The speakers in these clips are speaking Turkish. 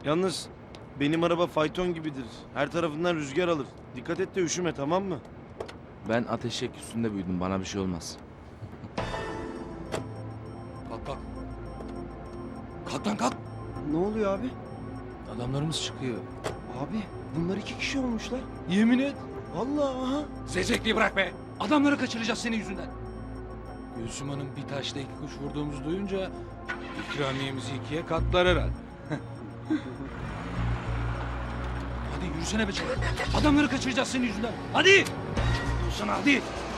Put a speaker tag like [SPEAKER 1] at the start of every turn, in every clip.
[SPEAKER 1] Yalnız benim araba fayton gibidir. Her tarafından rüzgar alır. Dikkat et de üşüme, tamam mı?
[SPEAKER 2] Ben ateşek üstünde büyüdüm. Bana bir şey olmaz.
[SPEAKER 3] Kalk kalk. Kalk lan kalk.
[SPEAKER 4] Ne oluyor abi?
[SPEAKER 3] Adamlarımız çıkıyor.
[SPEAKER 4] Abi bunlar 2 kişi olmuşlar.
[SPEAKER 3] Yemin et.
[SPEAKER 4] Vallahi aha.
[SPEAKER 3] Zevzekliği bırak be. Adamları kaçıracağız senin yüzünden. Gülsüm Hanım bir taşla 2 kuş vurduğumuzu duyunca ikramiyemizi 2'ye katlar herhalde. Hadi yürüsene be çabuk. Adamları kaçıracağız senin yüzünden. Hadi. Yürüsene hadi.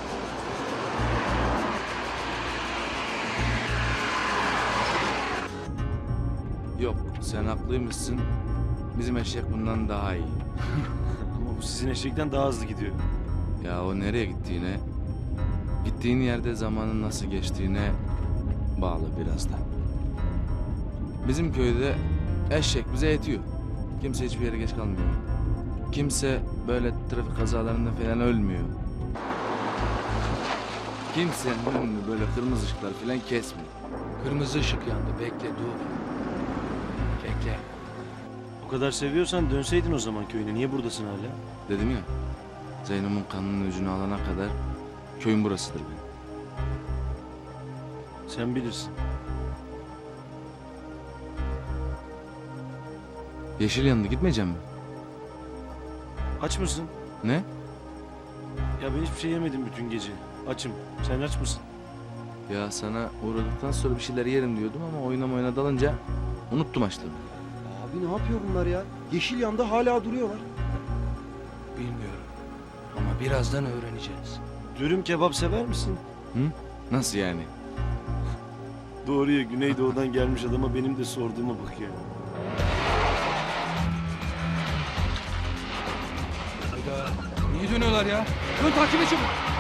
[SPEAKER 2] Yok, sen haklıymışsın. Bizim eşek bundan daha iyi.
[SPEAKER 1] Ama bu sizin eşekten daha hızlı gidiyor.
[SPEAKER 2] Ya o nereye gittiğine, gittiğin yerde zamanın nasıl geçtiğine bağlı biraz da. Bizim köyde eşek bize yetiyor. Kimse hiçbir yere geç kalmıyor. Kimse böyle trafik kazalarında falan ölmüyor. Kimsenin önünü böyle kırmızı ışıklar falan kesmiyor.
[SPEAKER 3] Kırmızı ışık yandı. Bekle dur. Bekle.
[SPEAKER 1] O kadar seviyorsan dönseydin o zaman köyüne. Niye buradasın hala?
[SPEAKER 2] Dedim ya, Zeyno'nun kanının ucunu alana kadar köyün burasıdır benim.
[SPEAKER 1] Sen bilirsin.
[SPEAKER 2] Yeşil yanında gitmeyeceğim mi?
[SPEAKER 1] Aç mısın?
[SPEAKER 2] Ne?
[SPEAKER 1] Ya ben hiçbir şey yemedim bütün gece. Açım. Sen aç mısın?
[SPEAKER 2] Ya sana uğradıktan sonra bir şeyler yerim diyordum ama oyuna dalınca unuttum açlığımı.
[SPEAKER 4] Abi ne yapıyor bunlar ya? Yeşil yanda hala duruyorlar.
[SPEAKER 3] Bilmiyorum. Ama birazdan öğreneceğiz.
[SPEAKER 1] Dürüm kebap sever misin?
[SPEAKER 2] Hı? Nasıl yani?
[SPEAKER 1] Doğru ya, Güneydoğu'dan gelmiş adama benim de sorduğuma bak ya.
[SPEAKER 3] Hayda. Niye dönüyorlar ya? Dön takip et çabuk.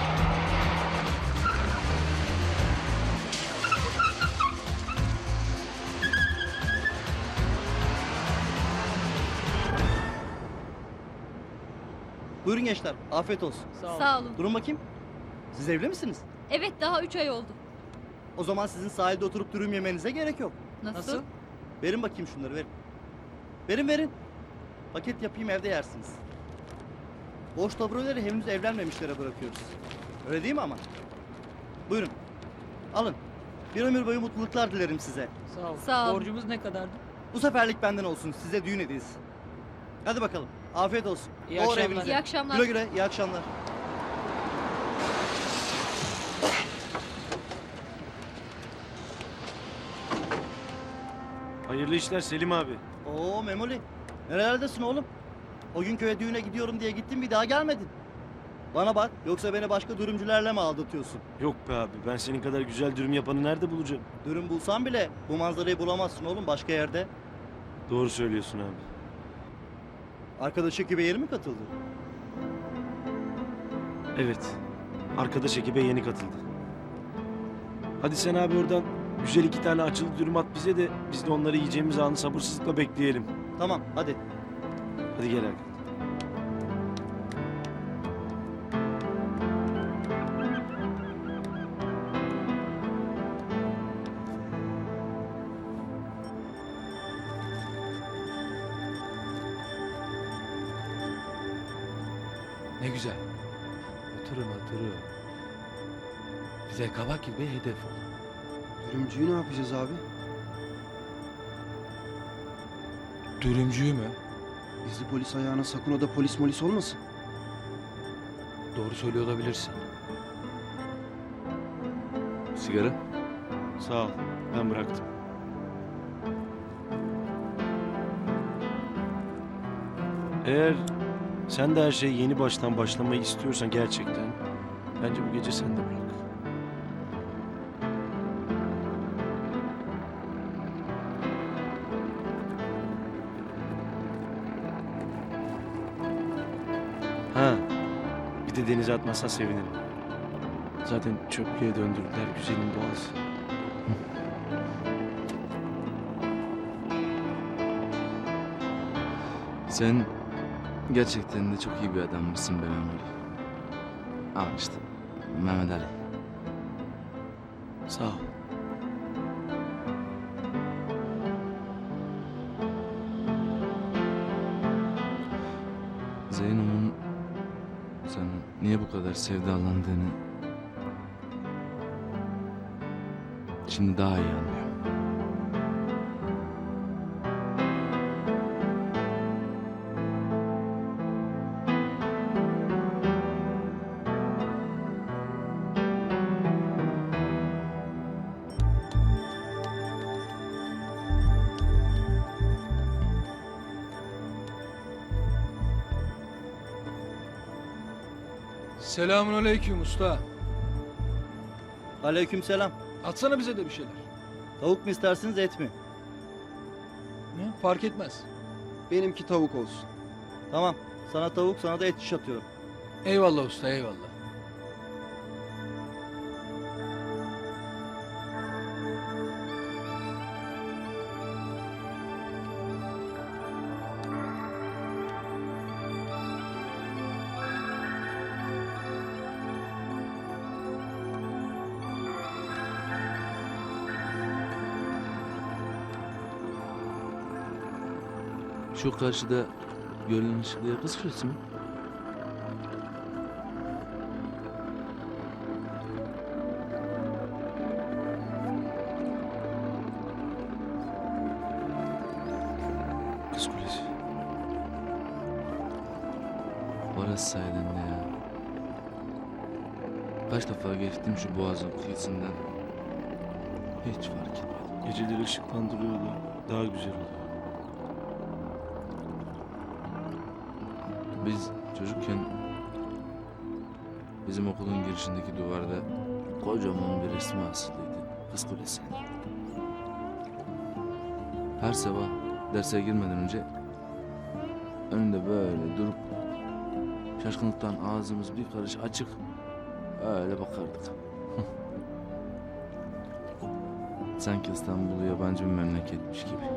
[SPEAKER 5] Buyurun gençler, afiyet olsun.
[SPEAKER 6] Sağ olun.
[SPEAKER 5] Durun bakayım. Siz evli misiniz?
[SPEAKER 6] Evet, daha 3 ay oldu.
[SPEAKER 5] O zaman sizin sahilde oturup dürüm yemenize gerek yok.
[SPEAKER 6] Nasıl?
[SPEAKER 5] Verin bakayım şunları, verin. Verin. Paket yapayım, evde yersiniz. Boş tabloları henüz evlenmemişlere bırakıyoruz. Öyle değil mi ama? Buyurun. Alın. Bir ömür boyu mutluluklar dilerim size.
[SPEAKER 7] Sağ ol.
[SPEAKER 6] Sağ ol.
[SPEAKER 7] Borcumuz ne kadardı?
[SPEAKER 5] Bu seferlik benden olsun, size düğün hediyesi. Hadi bakalım, afiyet olsun.
[SPEAKER 7] İyi
[SPEAKER 5] Doğru
[SPEAKER 7] akşamlar.
[SPEAKER 5] evinize.
[SPEAKER 6] İyi akşamlar.
[SPEAKER 5] Güle güle, iyi akşamlar.
[SPEAKER 1] Hayırlı işler Selim abi.
[SPEAKER 5] Oo Memoli, nerelerdesin oğlum? O gün köye düğüne gidiyorum diye gittin, bir daha gelmedin. Bana bak, yoksa beni başka dürümcülerle mi aldatıyorsun?
[SPEAKER 1] Yok be abi, ben senin kadar güzel dürüm yapanı nerede bulacağım?
[SPEAKER 5] Dürüm bulsan bile bu manzarayı bulamazsın oğlum başka yerde.
[SPEAKER 1] Doğru söylüyorsun abi.
[SPEAKER 5] Arkadaş ekibe yeni mi katıldı?
[SPEAKER 1] Evet, arkadaş ekibe yeni katıldı. Hadi sen abi oradan güzel 2 tane açılı dürüm at bize de biz de onları yiyeceğimiz anı sabırsızlıkla bekleyelim.
[SPEAKER 5] Tamam, hadi.
[SPEAKER 1] Hadi gel Hakan.
[SPEAKER 3] Ne güzel. Oturun. Bize kabak gibi hedef ol.
[SPEAKER 4] Dürümcüyü ne yapacağız abi?
[SPEAKER 3] Dürümcüyü mü?
[SPEAKER 4] Gizli polis ayağına sakın o da polis molis olmasın.
[SPEAKER 3] Doğru söylüyor olabilirsin.
[SPEAKER 2] Sigara?
[SPEAKER 1] Sağ ol, ben bıraktım. Eğer sen de her şeyi yeni baştan başlamayı istiyorsan gerçekten, bence bu gece sen de bırak. Ha, bir de denize atmazsan sevinirim. Zaten çöplüğe döndürdüler güzelim boğazı.
[SPEAKER 2] Sen gerçekten de çok iyi bir adammışsın be Memoli. Ama işte Mehmet Ali.
[SPEAKER 1] Sağ ol.
[SPEAKER 2] niye bu kadar sevdalandığını şimdi daha iyi anlıyorum.
[SPEAKER 3] Selamünaleyküm usta.
[SPEAKER 5] Aleykümselam.
[SPEAKER 3] Atsana bize de bir şeyler.
[SPEAKER 5] Tavuk mu istersiniz et mi?
[SPEAKER 3] Ne? Fark etmez.
[SPEAKER 4] Benimki tavuk olsun.
[SPEAKER 5] Tamam. Sana tavuk, sana da et şiş atıyorum.
[SPEAKER 3] Eyvallah usta, eyvallah.
[SPEAKER 2] Şu karşıda gölün ışıklıya kız kulesi mi?
[SPEAKER 1] Kız Kulesi.
[SPEAKER 2] Orası sayeden de ya. Kaç defa geçtim şu boğazın kıyısından. Hiç fark etmedim.
[SPEAKER 1] Geceleri ışıklandırıyordu. Daha güzel oluyor.
[SPEAKER 2] Biz çocukken bizim okulun girişindeki duvarda kocaman bir resmi asılıydı. Kız Kulesi. Her sabah derse girmeden önce önünde böyle durup şaşkınlıktan ağzımız bir karış açık öyle bakardık. Sanki İstanbul yabancı bir memleketmiş gibi.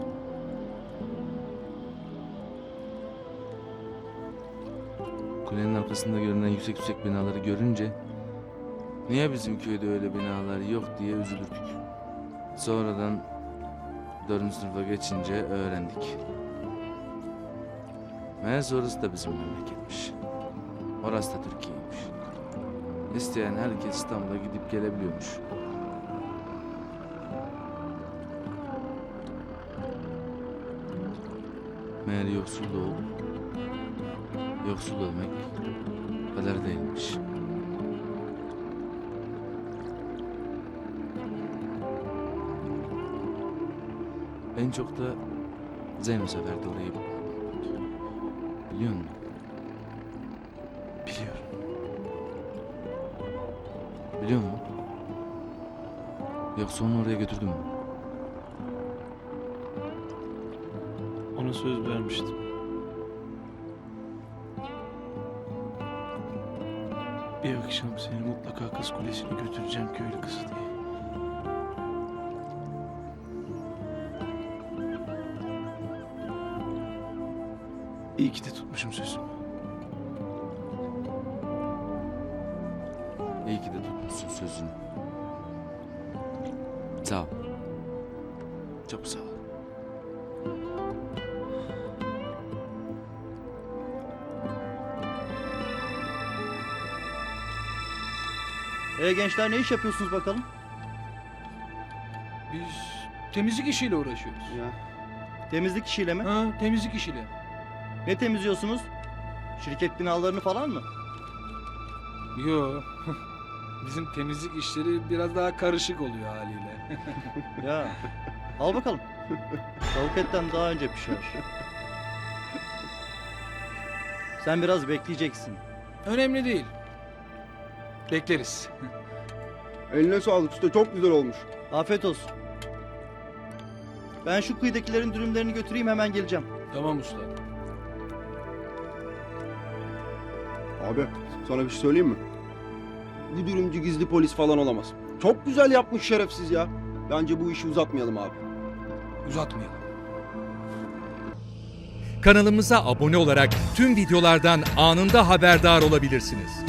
[SPEAKER 2] Kulenin arkasında görünen yüksek yüksek binaları görünce niye bizim köyde öyle binalar yok diye üzülürdük. Sonradan 4. sınıfa geçince öğrendik. Meğerse orası da bizim memleketmiş. Orası da Türkiye'ymiş. İsteyen herkes İstanbul'a gidip gelebiliyormuş. Meğer yoksul doğup yoksul ölmek kader değilmiş. En çok da Zeyno severdi orayı. Biliyor musun?
[SPEAKER 1] Biliyorum.
[SPEAKER 2] Biliyor musun? Yoksa onu oraya götürdün mü?
[SPEAKER 1] Ona söz vermiştim. Bir akşam seni mutlaka Kız Kulesi'ne götüreceğim, köylü kızı diye. İyi ki de tutmuşum sözümü.
[SPEAKER 2] İyi ki de tutmuşsun sözünü. Sağ ol. Çok sağ ol.
[SPEAKER 5] Gençler ne iş yapıyorsunuz bakalım?
[SPEAKER 3] Biz temizlik işiyle uğraşıyoruz.
[SPEAKER 4] Ya.
[SPEAKER 5] Temizlik işiyle mi?
[SPEAKER 3] Ha, temizlik işiyle.
[SPEAKER 5] Ne temizliyorsunuz? Şirket binalarını falan mı?
[SPEAKER 3] Yo. Bizim temizlik işleri biraz daha karışık oluyor haliyle.
[SPEAKER 5] Ya. Al bakalım. Tavuk etten daha önce pişer. Sen biraz bekleyeceksin.
[SPEAKER 3] Önemli değil. Bekleriz.
[SPEAKER 4] Eline sağlık usta, çok güzel olmuş.
[SPEAKER 5] Afiyet olsun. Ben şu kıyıdakilerin dürümlerini götüreyim, hemen geleceğim.
[SPEAKER 3] Tamam usta.
[SPEAKER 4] Abi sana bir şey söyleyeyim mi? Bu dürümcü gizli polis falan olamaz. Çok güzel yapmış şerefsiz ya. Bence bu işi uzatmayalım abi.
[SPEAKER 3] Uzatmayalım.
[SPEAKER 7] Kanalımıza abone olarak tüm videolardan anında haberdar olabilirsiniz.